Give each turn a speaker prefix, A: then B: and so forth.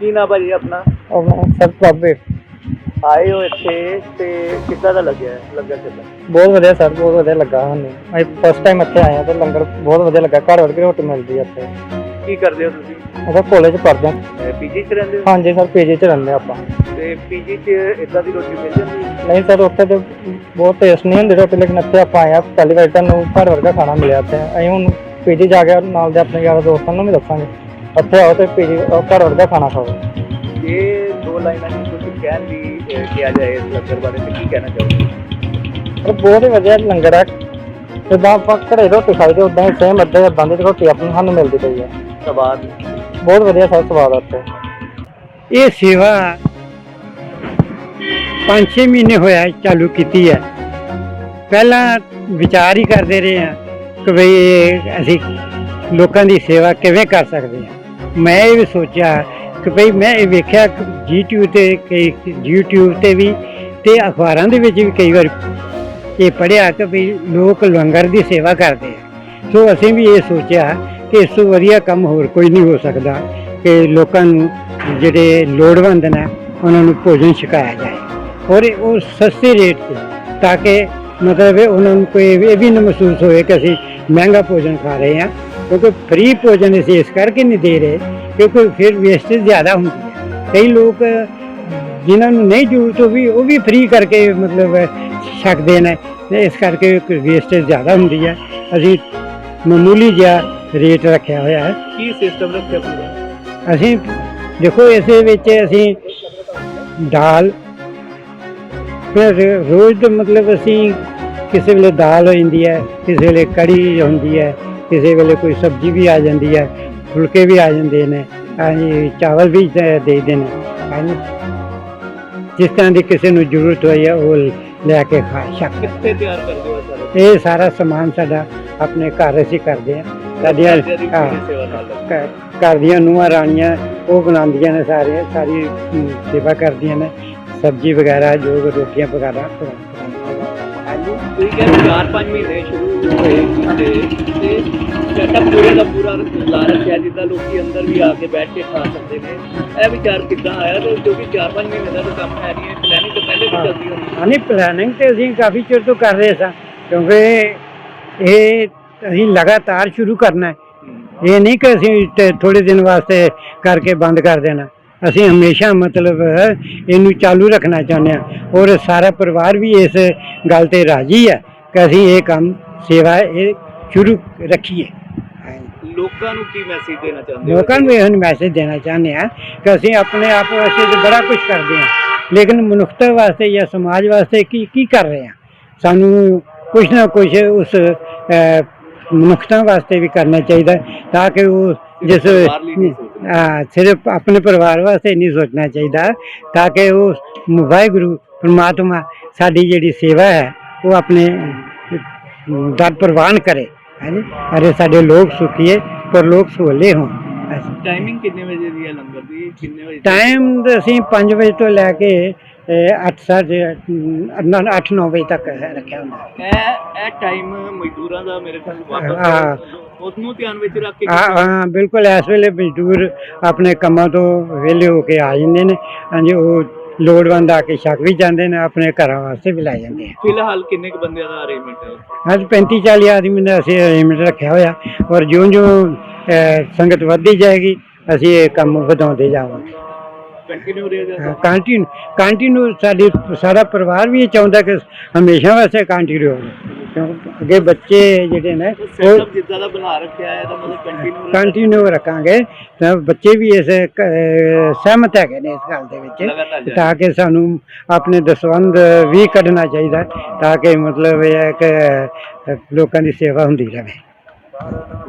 A: ਕੀ ਨਾ ਭਾਜੀ ਆਪਣਾ?
B: ਸਰ ਪ੍ਰਭੇ
A: ਆਏ ਹੋ ਇੱਥੇ ਤੇ ਕਿੱਦਾਂ ਦਾ ਲੱਗਿਆ? ਲੰਗਰ ਕਿੱਦਾਂ?
B: ਬਹੁਤ ਵਧੀਆ ਸਰ, ਬਹੁਤ ਵਧੀਆ ਲੱਗਾ ਸਾਨੂੰ। ਅਸੀਂ ਫਸਟ ਟਾਈਮ ਇੱਥੇ ਆਏ ਹਾਂ ਤੇ ਲੰਗਰ ਬਹੁਤ ਵਧੀਆ ਲੱਗਾ। ਘਰ ਵਰਗੀ ਰੋਟੀ ਮਿਲਦੀ ਹੈ ਇੱਥੇ।
A: ਕੀ ਕਰਦੇ ਹੋ ਤੁਸੀਂ?
B: ਅਸੀਂ ਕਾਲਜ ਪੜ੍ਹਦੇ ਹਾਂ।
A: ਪੀਜੀ 'ਚ ਰਹਿੰਦੇ ਹੋ?
B: ਹਾਂਜੀ ਸਰ, ਪੀਜੀ 'ਚ ਰਹਿੰਦੇ ਆਪਾਂ।
A: ਤੇ ਪੀਜੀ 'ਚ ਇੱਦਾਂ ਦੀ ਰੋਟੀ ਮਿਲ ਜਾਂਦੀ ਹੈ?
B: ਨਹੀਂ ਸਰ, ਉੱਥੇ ਤੇ ਬਹੁਤ ਟੇਸਟ ਨਹੀਂ ਹੁੰਦੀ ਰੋਟੀ, ਲੇਕਿਨ ਇੱਥੇ ਆਪਾਂ ਆਏ ਹਾਂ ਪਹਿਲੀ ਵਾਰ ਤੁਹਾਨੂੰ ਘਰ ਵਰਗਾ ਖਾਣਾ ਮਿਲਿਆ ਇੱਥੇ। ਅਸੀਂ ਹੁਣ ਪੀਜੀ ਜਾ ਕੇ ਨਾਲ ਦੇ ਆਪਣੇ ਯਾਰਾਂ ਦੋਸਤਾਂ ਨੂੰ ਵੀ ਦੱਸਾਂਗੇ ਇੱਥੇ ਆਓ ਤੇ ਪੀਜੀ ਘਰ ਵਰਗਾ ਖਾਣਾ ਖਾਓ।
A: ਇਹ ਦੋ ਲਾਈਨਾਂ ਨੂੰ ਕੁਝ ਕਹਿਣ ਵੀ ਕਿਹਾ ਜਾਏ ਇਸ ਲੰਗਰ ਬਾਰੇ ਤੇ ਕੀ ਕਹਿਣਾ ਚਾਹੋਗੇ?
B: ਪਰ ਬਹੁਤ ਹੀ ਵਧੀਆ ਲੰਗਰ ਹੈ। ਜਿੱਦਾਂ ਆਪਾਂ ਘਰੇ ਰੋਟੀ ਖਾਈਦੇ ਉੱਦਾਂ ਹੀ ਸੇਮ ਇੱਦਾਂ ਦੀ ਰੋਟੀ ਆਪਣੀ ਸਾਨੂੰ ਮਿਲਦੀ ਪਈ ਹੈ।
A: ਸਵਾਦ
B: ਬਹੁਤ ਵਧੀਆ ਸਰ, ਸਵਾਦ ਆ ਉੱਥੇ।
C: ਇਹ ਸੇਵਾ 5-6 ਮਹੀਨੇ ਹੋਇਆ ਚਾਲੂ ਕੀਤੀ ਹੈ। ਪਹਿਲਾਂ ਵਿਚਾਰ ਹੀ ਕਰਦੇ ਰਹੇ ਹਾਂ ਕਿ ਬਈ ਅਸੀਂ ਲੋਕਾਂ ਦੀ ਸੇਵਾ ਕਿਵੇਂ ਕਰ ਸਕਦੇ ਹਾਂ। ਮੈਂ ਇਹ ਵੀ ਸੋਚਿਆ ਕਿ ਭਈ ਮੈਂ ਇਹ ਵੇਖਿਆ ਕਿ YouTube ਤੇ ਵੀ ਤੇ ਅਖਬਾਰਾਂ ਦੇ ਵਿੱਚ ਵੀ ਕਈ ਵਾਰ ਇਹ ਪੜ੍ਹਿਆ ਕਿ ਭਈ ਲੋਕ ਲੰਗਰ ਦੀ ਸੇਵਾ ਕਰਦੇ ਆ। ਸੋ ਅਸੀਂ ਵੀ ਇਹ ਸੋਚਿਆ ਕਿ ਇਸ ਤੋਂ ਵਧੀਆ ਕੰਮ ਹੋਰ ਕੋਈ ਨਹੀਂ ਹੋ ਸਕਦਾ ਕਿ ਲੋਕਾਂ ਨੂੰ ਜਿਹੜੇ ਲੋੜਵੰਦ ਨੇ ਉਹਨਾਂ ਨੂੰ ਭੋਜਨ ਛਕਾਇਆ ਜਾਏ ਔਰ ਉਹ ਸਸਤੇ ਰੇਟ 'ਤੇ, ਤਾਂ ਕਿ ਮਤਲਬ ਉਹਨਾਂ ਨੂੰ ਕੋਈ ਇਹ ਵੀ ਨਾ ਮਹਿਸੂਸ ਹੋਏ ਕਿ ਅਸੀਂ ਮਹਿੰਗਾ ਭੋਜਨ ਖਾ ਰਹੇ ਹਾਂ। ਕਿਉਂਕਿ ਫ੍ਰੀ ਭੋਜਨ ਅਸੀਂ ਇਸ ਕਰਕੇ ਨਹੀਂ ਦੇ ਰਹੇ ਕਿਉਂਕਿ ਫਿਰ ਵੇਸਟੇਜ ਜ਼ਿਆਦਾ ਹੁੰਦੀ ਹੈ। ਕਈ ਲੋਕ ਜਿਨ੍ਹਾਂ ਨੂੰ ਨਹੀਂ ਜ਼ਰੂਰਤ ਉਹ ਵੀ ਫ੍ਰੀ ਕਰਕੇ ਮਤਲਬ ਛਕਦੇ ਨੇ, ਇਸ ਕਰਕੇ ਵੇਸਟੇਜ ਜ਼ਿਆਦਾ ਹੁੰਦੀ ਹੈ। ਅਸੀਂ ਮਾਮੂਲੀ ਜਿਹਾ ਰੇਟ ਰੱਖਿਆ ਹੋਇਆ ਹੈ।
A: ਕੀ ਸਿਸਟਮ ਰੱਖਿਆ ਪੂਰਾ?
C: ਅਸੀਂ ਦੇਖੋ ਇਸੇ ਵਿੱਚ ਅਸੀਂ ਦਾਲ ਫਿਰ ਰੋਜ਼ ਦਾ ਮਤਲਬ ਅਸੀਂ ਕਿਸੇ ਵੇਲੇ ਦਾਲ ਹੋ ਜਾਂਦੀ ਹੈ, ਕਿਸੇ ਵੇਲੇ ਕੜੀ ਹੁੰਦੀ ਹੈ, ਕਿਸੇ ਵੇਲੇ ਕੋਈ ਸਬਜ਼ੀ ਵੀ ਆ ਜਾਂਦੀ ਹੈ, ਫੁਲਕੇ ਵੀ ਆ ਜਾਂਦੇ ਨੇ, ਹਾਂਜੀ ਚਾਵਲ ਵੀ ਦੇ ਦਿੰਦੇ ਨੇ। ਹਾਂਜੀ, ਜਿਸ ਤਰ੍ਹਾਂ ਦੀ ਕਿਸੇ ਨੂੰ ਜ਼ਰੂਰਤ ਹੋਈ ਹੈ ਉਹ ਲੈ ਕੇ ਖਾ ਸਕਦੇ।
A: ਕਿੱਥੇ ਤਿਆਰ ਕਰਦੇ ਹੋ ਸਾਰਾ?
C: ਇਹ ਸਾਰਾ ਸਮਾਨ ਸਾਡਾ ਆਪਣੇ ਘਰ ਅਸੀਂ ਕਰਦੇ ਹਾਂ। ਸਾਡੀਆਂ
A: ਸੇਵਾ ਨਾਲ
C: ਘਰ ਦੀਆਂ ਨੂੰਹਾਂ ਰਾਣੀਆਂ ਉਹ ਬਣਾਉਂਦੀਆਂ ਨੇ, ਸਾਰੀ ਸੇਵਾ ਕਰਦੀਆਂ ਨੇ, ਸਬਜ਼ੀ ਵਗੈਰਾ ਜੋ ਰੋਟੀਆਂ ਵਗੈਰਾ।
A: ਤੁਸੀਂ ਕਹਿੰਦੇ 4-5 ਮਹੀਨੇ ਸ਼ੁਰੂ ਹੋਏ ਤੇ ਸੈਟਅਪ ਪੂਰੇ ਦਾ ਪੂਰਾ ਲਾ ਰੱਖਿਆ ਜਿੱਦਾਂ ਲੋਕੀ ਅੰਦਰ ਵੀ ਆ ਕੇ ਬੈਠ ਕੇ ਖਾ ਸਕਦੇ ਨੇ। ਇਹ ਵਿਚਾਰ ਕਿੱਦਾਂ ਆਇਆ? ਤੇ ਕਿਉਂਕਿ 4-5 ਮਹੀਨੇ ਦਾ ਤਾਂ ਕੰਮ ਹੈ ਨਹੀਂ, ਪਲੈਨਿੰਗ ਤਾਂ ਪਹਿਲੇ ਵੀ ਚੱਲਦੀ ਹੋਣੀ।
C: ਹਾਂ ਨਹੀਂ, ਪਲੈਨਿੰਗ ਤੇ ਅਸੀਂ ਕਾਫੀ ਚਿਰ ਤੋਂ ਕਰ ਰਹੇ ਸਾਂ ਕਿਉਂਕਿ ਇਹ ਅਸੀਂ ਲਗਾਤਾਰ ਸ਼ੁਰੂ ਕਰਨਾ ਹੈ। ਇਹ ਨਹੀਂ ਕਿ ਅਸੀਂ ਥੋੜ੍ਹੇ ਦਿਨ ਵਾਸਤੇ ਕਰਕੇ ਬੰਦ ਕਰ ਦੇਣਾ। ਅਸੀਂ ਹਮੇਸ਼ਾ ਮਤਲਬ ਇਹਨੂੰ ਚਾਲੂ ਰੱਖਣਾ ਚਾਹੁੰਦੇ ਹਾਂ ਔਰ ਸਾਰਾ ਪਰਿਵਾਰ ਵੀ ਇਸ ਗੱਲ 'ਤੇ ਰਾਜ਼ੀ ਹੈ ਕਿ ਅਸੀਂ ਇਹ ਕੰਮ ਸੇਵਾ ਇਹ ਸ਼ੁਰੂ ਰੱਖੀਏ।
A: ਲੋਕਾਂ ਨੂੰ ਕੀ ਮੈਸੇਜ ਦੇਣਾ ਚਾਹੁੰਦੇ ਹੋ?
C: ਲੋਕਾਂ ਨੂੰ ਇਹ ਮੈਸੇਜ ਦੇਣਾ ਚਾਹੁੰਦੇ ਹਾਂ ਕਿ ਅਸੀਂ ਆਪਣੇ ਆਪ ਵਾਸਤੇ ਤਾਂ ਬੜਾ ਕੁਝ ਕਰਦੇ ਹਾਂ, ਲੇਕਿਨ ਮਨੁੱਖਤਾ ਵਾਸਤੇ ਜਾਂ ਸਮਾਜ ਵਾਸਤੇ ਕੀ ਕਰ ਰਹੇ ਹਾਂ। ਸਾਨੂੰ ਕੁਛ ਨਾ ਕੁਛ ਉਸ ਮਨੁੱਖਤਾ ਵਾਸਤੇ ਵੀ ਕਰਨਾ ਚਾਹੀਦਾ ਤਾਂ ਕਿ ਉਹ ਜਿਸ ਸਿਰਫ ਆਪਣੇ ਪਰਿਵਾਰ ਵਾਸਤੇ ਨਹੀਂ ਸੋਚਣਾ ਚਾਹੀਦਾ ਤਾਂ ਕਿ ਉਹ ਵਾਹਿਗੁਰੂ ਪਰਮਾਤਮਾ ਸਾਡੀ ਜਿਹੜੀ ਸੇਵਾ ਹੈ ਉਹ ਆਪਣੇ ਦਰ ਪ੍ਰਵਾਨ ਕਰੇ। ਹਾਂਜੀ, ਅਰੇ ਸਾਡੇ ਲੋਕ ਸੁਖੀਏ ਪਰ ਲੋਕ ਸੋਲੇ ਹੋਣ।
A: ਟਾਈਮਿੰਗ ਕਿੰਨੇ ਵਜੇ ਦੀ ਹੈ ਲੰਗਰ ਦੀ? ਕਿੰਨੇ ਵਜੇ
C: ਟਾਈਮ ਅਸੀਂ 5 ਵਜੇ ਤੋਂ ਲੈ ਕੇ 8-9 ਵਜੇ ਤੱਕ ਰੱਖਿਆ ਹੁੰਦਾ।
A: ਇਹ ਟਾਈਮ ਮਜ਼ਦੂਰਾਂ ਦਾ ਮੇਰੇ ਖਿਆਲ ਵਾਪਸ ਉਹਨੂੰ ਧਿਆਨ ਵਿੱਚ ਰੱਖ ਕੇ।
C: ਹਾਂ ਬਿਲਕੁਲ, ਇਸ ਵੇਲੇ ਮਜ਼ਦੂਰ ਆਪਣੇ ਕੰਮਾਂ ਤੋਂ ਵਿਹਲੇ ਹੋ ਕੇ ਆ ਜਾਂਦੇ ਨੇ। ਹਾਂਜੀ, ਉਹ ਲੋੜਵੰਦ ਆ ਕੇ ਛਕ ਵੀ ਜਾਂਦੇ ਨੇ, ਆਪਣੇ ਘਰਾਂ ਵਾਸਤੇ ਵੀ ਲੈ ਜਾਂਦੇ ਆ।
A: ਫਿਲਹਾਲ ਕਿੰਨੇ ਕੁ ਬੰਦਿਆਂ ਦਾ ਅਰੇਂਜਮੈਂਟ ਹੈ?
C: ਅੱਜ 35-40 ਆਦਮੀ ਦਾ ਅਸੀਂ ਅਰੇਂਜਮੈਂਟ ਰੱਖਿਆ ਹੋਇਆ ਔਰ ਜਿਉਂ ਸੰਗਤ ਵੱਧਦੀ ਜਾਏਗੀ ਅਸੀਂ ਇਹ ਕੰਮ ਵਧਾਉਂਦੇ ਜਾਵਾਂਗੇ।
A: ਕੰਟੀਨਿਊ ਰਹੇਗਾ?
C: ਕੰਟੀਨਿਊ ਸਾਡਾ ਪਰਿਵਾਰ ਵੀ ਇਹ ਚਾਹੁੰਦਾ ਕਿ ਹਮੇਸ਼ਾ ਵਾਸਤੇ ਕੰਟੀਨਿਊ ਹੋਵੇ ਕਿਉਂਕਿ ਅੱਗੇ ਬੱਚੇ ਜਿਹੜੇ ਨੇ
A: ਉਹ ਜਿੱਦਾਂ ਦਾ ਬਣਾ ਰੱਖਿਆ ਹੈ ਤਾਂ ਮਤਲਬ
C: ਕੰਟੀਨਿਊ ਰੱਖਾਂਗੇ ਤਾਂ ਬੱਚੇ ਵੀ ਇਸ ਸਹਿਮਤ ਹੈਗੇ ਨੇ ਇਸ ਗੱਲ ਦੇ ਵਿੱਚ, ਤਾਂ ਕਿ ਸਾਨੂੰ ਆਪਣੇ ਦਸਵੰਧ ਵੀ ਕੱਢਣਾ ਚਾਹੀਦਾ ਤਾਂ ਕਿ ਮਤਲਬ ਇਹ ਹੈ ਕਿ ਲੋਕਾਂ ਦੀ ਸੇਵਾ ਹੁੰਦੀ ਰਹੇ।